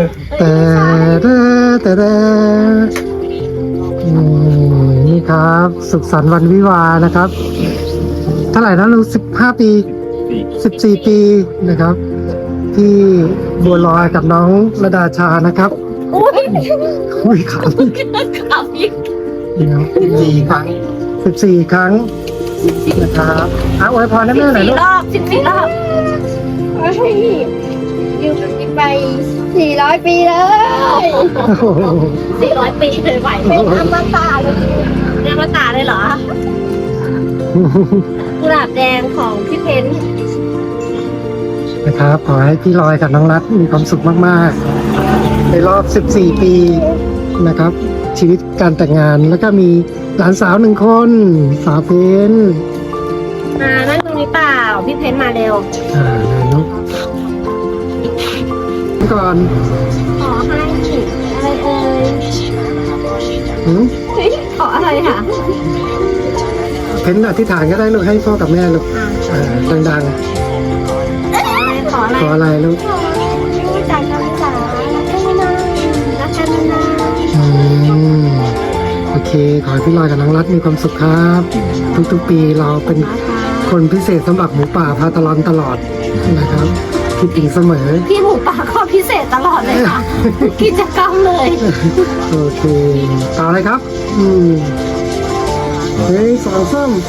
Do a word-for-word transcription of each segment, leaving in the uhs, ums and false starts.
แต่แต่แต่แต่นี่ครับ สุขสันต์วันวิวาห์นะครับ เท่าไหร่นะลูกสิบห้าปีสิบสี่ปีนะครับ ที่บัวลอยกับน้องระดาชานะครับอุ้ยอุ้ยขาพี่ขับอีกสี่ครั้งสิบสี่ครั้งนะครับอ่ะอวยพรให้สิแม่บหน่อยสี่ลูกรอบสิบสี่รอบขอให้อยู่กันไปสี่ร้อยปีเลยโอ้โหสี่ร้อยปีเลยไหวไหมเป็นอมตะเลยเรียกว่าตาเลยเหรอกุหลาบแดงของพี่เพ้นนะครับขอให้พี่ลอยกับน้องรัฐมีความสุขมากๆในรอบสิบสี่ปีนะครับ ชีวิตการแต่งงานแล้วก็มีหลานสาวหนึ่งคนสาวเพนมานั่งตรงนี้เปล่าพี่เพ้นมาเร็วอ่านุ๊กก่อนขอให้อะไรเอ่ยหืมเฮ้ยขออะไรค่ะเพนอธิษฐานก็ได้ลูกให้พ่อกับแม่ลูกอ่ะอ่าดังขออะไรๆขออะไรลูกขอให้จากกันจ๋ารักกันนานรักกันนานอืมโอเค ขอให้พี่ลอยกับน้องรัฐมีความสุขครับ ทุกๆปีเราเป็นนะคะคนพิเศษสำหรับหมูป่าพาตลอนตลอดนะครับคิดถึงเสมอพี่หมูป่าก็พิเศษตลอดเลยค่ะ กิจกรรมเลยโอเคต่อเลยครับ อืมเฮ้ยสองส้ม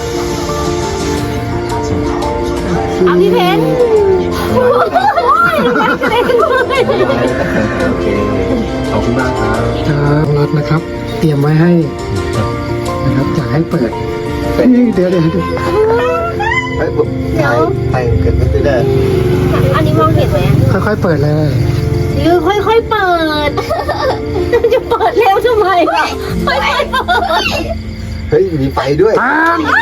เอาพี่เพ้นโอ้ยรักเล่นเลยโอเค ขอบคุณมากครับครับรัดนะครับ เตรียมไว้ให้นะครับอยากให้เปิดเฮ้ยเดี๋ยวเดี๋ยวเดี๋ยวเฮ้ยผมถ่ายถ่ายเกิดไม่ได้อันนี้มองเห็นไหมค่อยๆเปิดเลยหรือค่อยๆเปิด จะเปิดเร็วทำไมล่ะค่อยๆเปิดเฮ้ย มีไฟด้วยปาม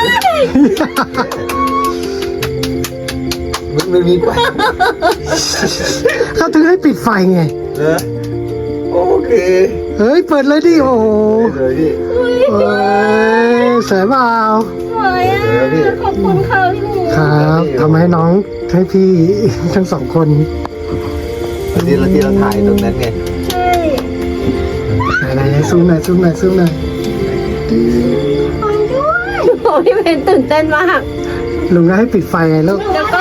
มันมันมีไฟเขาถึงให้ปิดไฟไงเหรอโอเคเฮ้ยเปิดเลยดิโอ้โหเลยพี่เฮ้ยสวยเปล่าสวยอ่ะขอบคุณค่ะพี่หมูครับทำให้น้องให้พี่ ทั้งสองคนที่เราที่เราถ่ายตรงนั้นไงใช่ไหนๆซูมหน่อยซูมหน่อยซูมหน่อยฟังด้วยโอ้พี่เพนตื่นเต้นมากลุงก็ให้ปิดไฟไงลูกแล้วก็